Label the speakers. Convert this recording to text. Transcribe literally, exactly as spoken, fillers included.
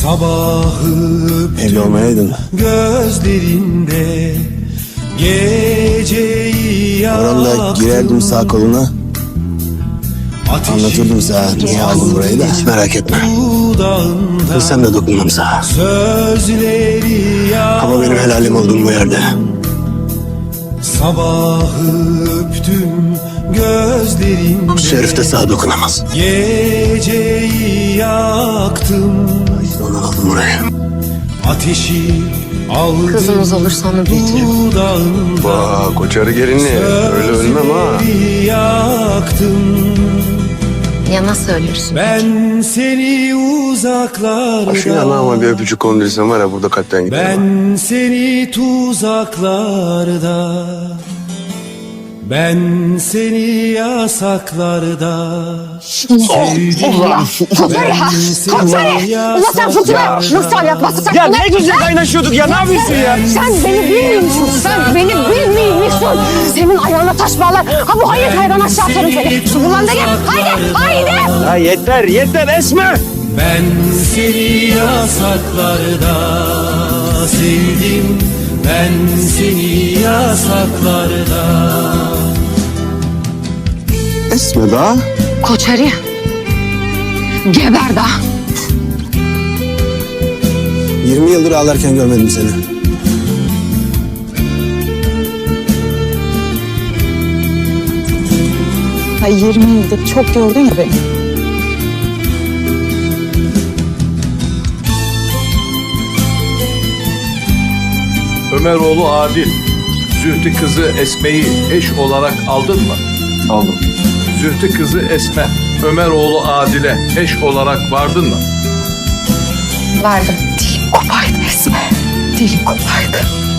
Speaker 1: Sabahı
Speaker 2: Evli olmayaydın.
Speaker 1: gözlerinde geceyi
Speaker 2: Oranda
Speaker 1: yaktım.
Speaker 2: girerdim sağ koluna.
Speaker 1: Ateşi
Speaker 2: Anlatırdım sana niye aldım burayı da. Hiç merak etme.
Speaker 1: dudağında
Speaker 2: Kılsam da dokunmam sana.
Speaker 1: sözleri
Speaker 2: Ama benim helalim oldun bu yerde.
Speaker 1: Sabahı öptüm gözlerinde.
Speaker 2: Bu şerif de sana dokunamaz.
Speaker 1: Geceyi yaktım.
Speaker 2: Ondan aldım burayı.
Speaker 1: Ateşi aldım.
Speaker 3: Kızınız olursa onu büyütürüm.
Speaker 1: Dudağında
Speaker 2: Vaa koçarı gelinli. Öyle ölmem ha.
Speaker 1: sözleri yaktım.
Speaker 3: Ya nasıl ölürsün?
Speaker 1: Ben seni uzaklarda.
Speaker 2: Şu yanağıma bir öpücük kondursam var ya burada kalpten giderim.
Speaker 1: Ben seni tuzaklarda. Ben seni yasaklarda. Sevdim.
Speaker 4: Komiser ya! Komiser! Ulan sen fırtına nasıl alyatmazsın sen?
Speaker 5: Ya ne güzel kaynaşıyorduk ya, ne yapıyorsun ya?
Speaker 4: Sen beni bilmiyor musun? Sen beni bilmiyor musun? Senin ayağına taş bağlar. Ha bu hayır hayran aşağı atarım seni. Su kulağında gel. Haydi haydi.
Speaker 5: Ya yeter yeter Esme.
Speaker 1: Ben seni yasaklarda sevdim. Ben seni yasaklarda.
Speaker 2: Esme daha.
Speaker 4: Koçarı. Geber daha.
Speaker 2: yirmi yıldır ağlarken görmedim seni.
Speaker 6: Ay yirmi yıldır çok gördün ya beni.
Speaker 7: Ömeroğlu Adil, Zühtü kızı Esme'yi eş olarak aldın mı?
Speaker 2: Aldım.
Speaker 7: Zühtü kızı Esme, Ömeroğlu Adil'e eş olarak vardın mı?
Speaker 3: Vardım.
Speaker 4: Dilim kopardı Esme. Dilim kopardı.